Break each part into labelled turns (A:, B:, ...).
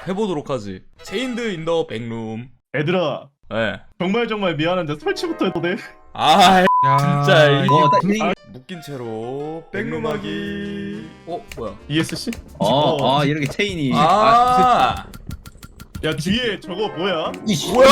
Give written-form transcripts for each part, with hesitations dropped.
A: 해보도록 하지. 체인드 인 더 백룸.
B: 얘들아
A: 예.
B: 정말 미안한데 설치부터 해도 돼?
A: 아
C: 야,
A: 진짜 이
C: 분위기.
A: 묶인 채로 백룸하기. 뭐야?
B: ESC?
C: 이렇게 체인이.
A: 아
B: 야 뒤에 저거 뭐야?
C: 이씨.
A: 뭐야?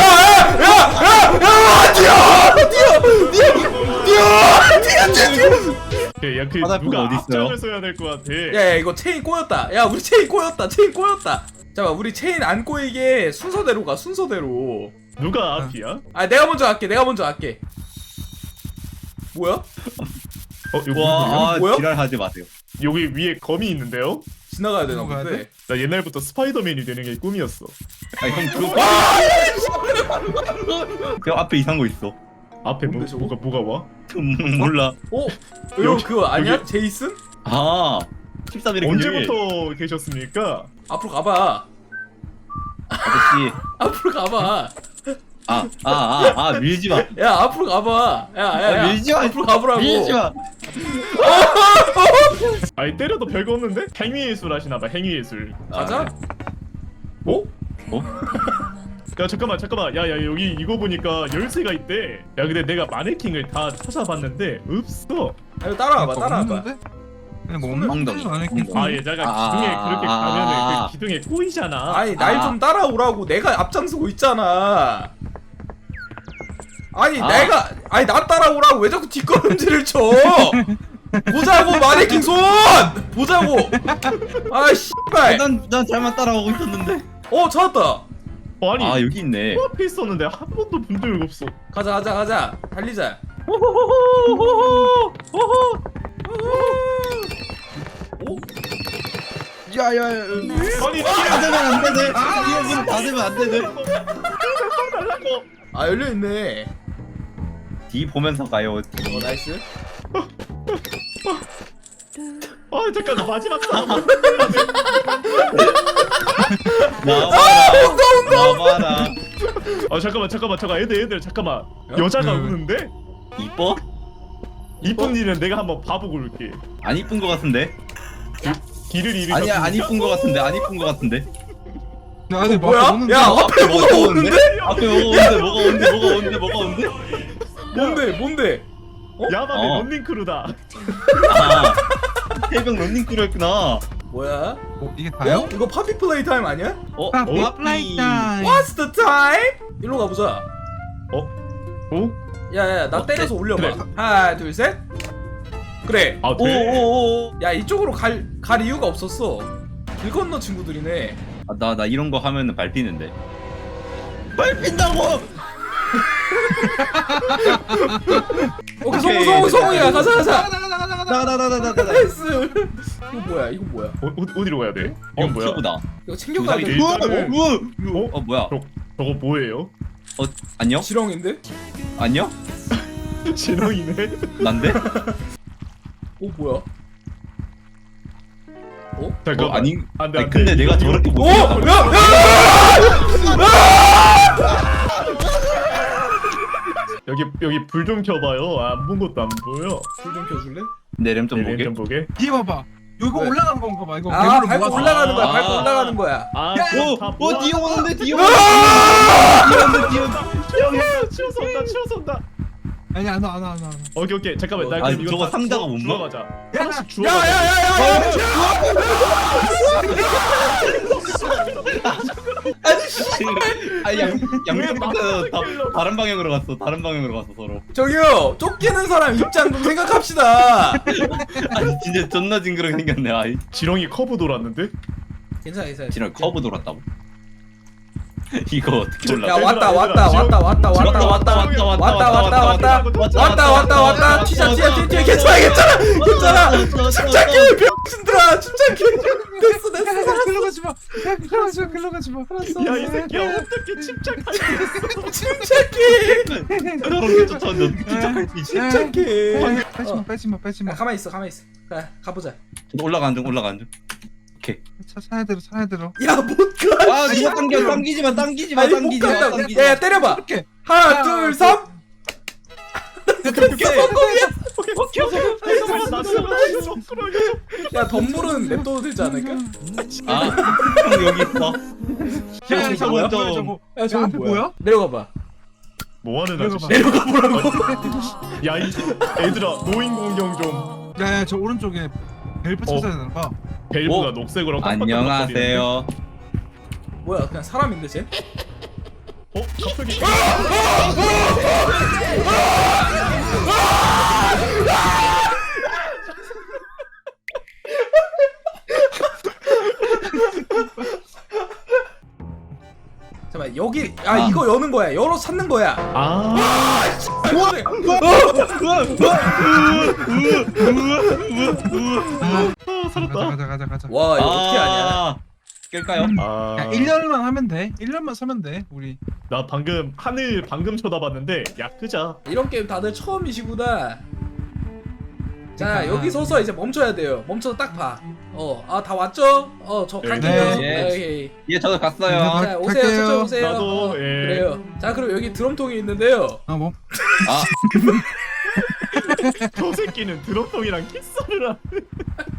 B: 야그
C: 화살표가
B: 누가
C: 어디 있어요?
B: 앞장을 써야 될 것 같아.
A: 야 이거 체인 꼬였다. 야 우리 체인 꼬였다. 체인 꼬였다. 잠깐 우리 체인 안 꼬이게 순서대로 가. 순서대로.
B: 누가 앞이야?
A: 아 내가 먼저 할게. 내가 먼저 할게. 뭐야?
B: 이거
C: 와,
A: 뭐야?
C: 지랄하지 마세요.
B: 여기 위에 검이 있는데요?
A: 지나가야 되나
D: 가야
A: 본데.
B: 나 옛날부터 스파이더맨이 되는 게 꿈이었어.
C: 아니 형 그거. 저 앞에 이상한 거 있어.
B: 앞에
A: 뭔데, 저거?
B: 뭐가 와?
C: 몰라.
A: 이거
B: 여기,
A: 그거 아니야?
B: 여기.
A: 제이슨?
C: 13일에
B: 언제부터 계셨습니까?
A: 앞으로 가봐.
C: 아저씨.
A: 앞으로 가봐.
C: 밀지 마.
A: 야 앞으로 가봐. 야
C: 밀지 마.
A: 앞으로 가보라고.
C: 밀지 마.
B: 아니 때려도 별거 없는데? 행위예술 하시나봐 행위예술.
A: 가자.
B: 야 잠깐만 야 여기 이거 보니까 열쇠가 있대. 야 근데 내가 마네킹을 다 찾아봤는데 없어.
A: 아, 이거 따라와봐. 따라와봐.
D: 그냥 뭐
C: 엉덩이.
D: 없는 아니겠지.
B: 아 얘자가 기둥에 그렇게 가면은 그 기둥에 꼬이잖아.
A: 아니 날 좀 따라오라고. 내가 앞장서고 있잖아. 아니 아니 나 따라오라고. 왜 자꾸 뒷걸음질을 쳐? 보자고 마네킹 손. 보자고. 아 씨발.
C: 난 잘만 따라오고 있었는데.
A: 찾았다.
B: 아니
C: 여기 있네.
B: 코앞에 있었는데 한 번도 본 적이 없어.
A: 가자. 달리자.
C: 야야.
B: 아니
C: 다 되면 안 되네. 이거 다 되면 안 되네.
B: 달라고.
A: 아 열려있네.
C: D 보면서 가요.
A: 나이스.
B: 아 잠깐 마지막 싸움.
C: 나와라.
B: 아 잠깐 애들 잠깐만. 여자가 우는데?
C: 이뻐?
B: 이쁜 일은 내가 한번 봐보고 올게.
C: 안 이쁜 거 같은데?
B: 길을 잃으셨.
C: 아니야 안 이쁜 거 같은데 안 이쁜 거 같은데?
D: 야, 근데
A: 뭐야?
D: 오는데?
A: 야 앞에 뭐가 오는데?
C: 앞에 뭐가 오는데?
A: 뭔데?
B: 야밤의 런닝크루다.
C: 해병 런닝크루였구나.
A: 뭐야?
D: 이게 다요?
A: 이거 파피 플레이 타임 아니야?
D: 아, 플라이 타임.
A: What's the time? 일로 가보자.
B: 어?
A: 야야 나 때려서 올려봐.
B: 그래.
A: 하나 둘 셋. 그래.
B: 아 돼.
C: 오오오.
A: 야 이쪽으로 갈 이유가 없었어. 길 건너 친구들이네.
C: 나 이런 거 하면은 밟히는데. 밟힌다고.
A: 오케이
C: 오케이.
A: 성우야 가자.
C: 나나나나나.
A: 나이스. 이거 뭐야?
B: 어디로 가야 돼? 이건 뭐야?
C: 큐브다.
A: 이거 챙겨가야 돼.
B: 일단은-
C: 뭐야?
B: 저거 뭐예요?
C: 안녕?
A: 지렁인데?
C: 안녕?
B: 진영이네.
C: 난데?
A: 뭐야?
B: 잠깐만.
C: 아니.
B: 안돼
C: 아니, 근데 내가 저렇게 못.
B: 여기 불 좀 켜봐요. 안 본 것도 안 보여.
A: 불 좀 켜줄래?
C: 내렘 좀
B: 네,
C: 보게.
B: 좀 보게.
D: 뒤에 봐봐. 이거
A: 왜?
D: 올라가는 건가 봐. 이거
A: 아
D: 괴물을
A: 밟고
D: 모아서.
A: 올라가는 거야.
C: 아.
A: 밟고 올라가는 거야.
B: 아,
C: 뒤에 오는데 뒤에
B: 치워서 온다.
D: 아니 안 와.
B: 오케이 잠깐만. 나
C: 아니,
B: 그럼 이거
C: 저거
B: 다
C: 상자가 못
B: 주워가자.
D: 야,
B: 하나씩 주워.
A: 야야야야.
C: 아니 양쪽부터 다 다른 방향으로 갔어. 다른 방향으로 갔어 서로.
A: 저기요 쫓기는 사람 입장 좀 생각합시다.
C: 아니 진짜 존나 징그럽게 생겼네. 아이.
B: 지렁이 커브 돌았는데?
A: 괜찮아.
C: 지금 커브 돌았다고. 이거 어떻게 올라?
A: 야 왔다 튀자 괜찮아 침착해 병신들아 침착해. 됐어
D: 글로 가지 마. 글로 가지 마. 알았어.
B: 야 이 새끼야 어떻게 침착하게
A: 침착해
C: 저렇게 쫓아오는데 어떻게 침착할 수 있지?
A: 침착해.
D: 빼지 마.
A: 가만히 있어 가보자.
C: 저도 올라가는 중. 오케이.
D: 차례대로.
A: 야 못가.
C: 아 누가 당기지 마.
A: 야 때려봐.
D: 이렇게.
A: 하나 둘 삼. 성공이야. 야 덤불은 냅둬도 되지 않을까?
C: 형 여기 있어.
D: 야, 저거
C: 먼저.
D: 뭐야 저거?
A: 야 저건
D: 앞에
A: 뭐야?
D: 뭐야?
A: 내려가봐.
B: 뭐하는
D: 내려가
B: 아저씨?
D: 봐.
A: 내려가 보라고.
B: 야이 애들아 노인 공경 좀.
D: 야야 저 오른쪽에 벨브 찾아야 되나 봐.
B: 벨브가
C: 어?
B: 녹색으로 깜빡깜빡거리는데.
C: 안녕하세요.
A: 뭐야 그냥 사람인데 쟤?
B: 어? 갑자기
A: 잠깐만 여기 이거 여는 거야. 열어 찾는 거야.
B: 아 살았다.
D: 가자.
A: 와 이거 어떻게 아냐?
C: 깰까요?
D: 야 1년만 하면 돼. 1년만 서면 돼. 우리.
B: 나 방금 하늘 방금 쳐다봤는데 야 끄자.
A: 이런 게임 다들 처음이시구나. 자
D: 그러니까.
A: 여기 서서 이제 멈춰야 돼요. 멈춰서 딱 봐. 다 왔죠? 저
B: 네.
A: 갈게요.
C: 네.
A: 오케이.
C: 예, 저도 갔어요.
A: 자 오세요.
D: 갈게요.
A: 저쪽 오세요.
B: 나도, 예.
A: 그래요. 자 그럼 여기 드럼통이 있는데요.
D: 뭐?
C: 아,
B: 저 새끼는 드럼통이랑 키스를 하네.